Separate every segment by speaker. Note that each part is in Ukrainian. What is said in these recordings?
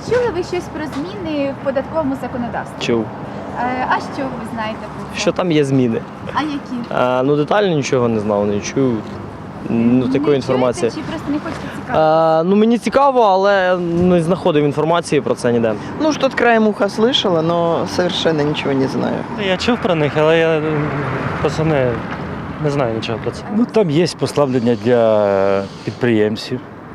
Speaker 1: Чи чули ви щось про зміни в податковому законодавстві?
Speaker 2: Чув,
Speaker 1: А що ви знаєте про це?
Speaker 2: що там є зміни.
Speaker 1: А які?
Speaker 2: Ну детально нічого не знав, не чув. Ну, такої
Speaker 1: Не
Speaker 2: інформації.
Speaker 1: чуєте, чи просто не хочете цікавитися?
Speaker 2: Ну мені цікаво, але не знаходив інформації про це ніде.
Speaker 3: Ну, что-то краем уха слышала, но совершенно ничего не знаю.
Speaker 4: Я чув про них, але я просто не знаю нічого про це.
Speaker 5: Ну, там є послаблення для підприємців.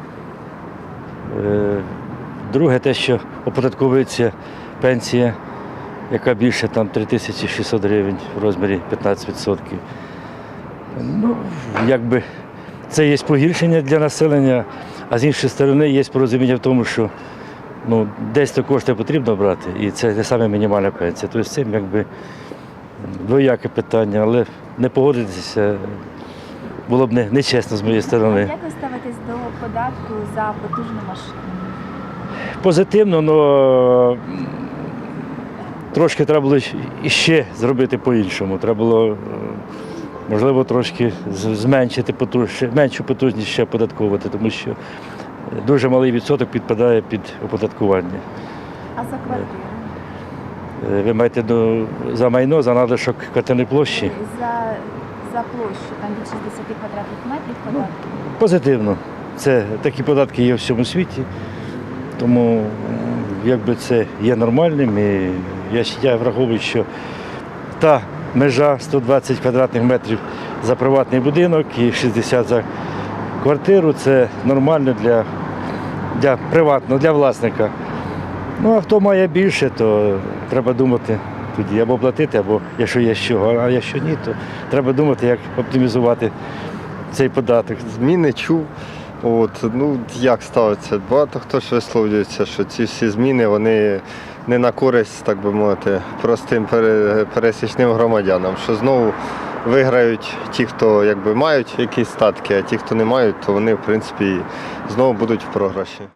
Speaker 5: Друге, те, що оподатковується пенсія, яка більше там 3600 гривень в розмірі 15%. Ну, якби це є погіршення для населення, а з іншої сторони є порозуміння в тому, що ну, десь то кошти потрібно брати, і це не саме мінімальна пенсія. Тобто це якби двояке питання, але не погодитися було б нечесно з моєї сторони.
Speaker 1: Як ви ставитесь до податку за потужну машину?
Speaker 5: Позитивно, але трошки треба було іще зробити по-іншому. Треба було, можливо, трошки зменшити меншу потужність ще оподатковувати, тому що дуже малий відсоток підпадає під оподаткування.
Speaker 1: А за квартиру?
Speaker 5: Ви маєте за майно, за надлишок квартирної площі?
Speaker 1: За площу, там від 60 квадратних метрів податку.
Speaker 5: Позитивно. Такі податки є в всьому світі, тому якби це є нормальним. І я враховую, що та межа 120 квадратних метрів за приватний будинок і 60 за квартиру це нормально для приватного, для власника. Ну а хто має більше, то треба думати тоді або платити, або якщо є з чого, а якщо ні, то треба думати, як оптимізувати цей податок.
Speaker 6: Зміни чув. Ну, як ставиться? Багато хто ж висловлюється, що ці всі зміни вони не на користь, так би мовити, простим пересічним громадянам, що знову виграють ті, хто якби мають якісь статки, а ті, хто не мають, то вони в принципі знову будуть в програші.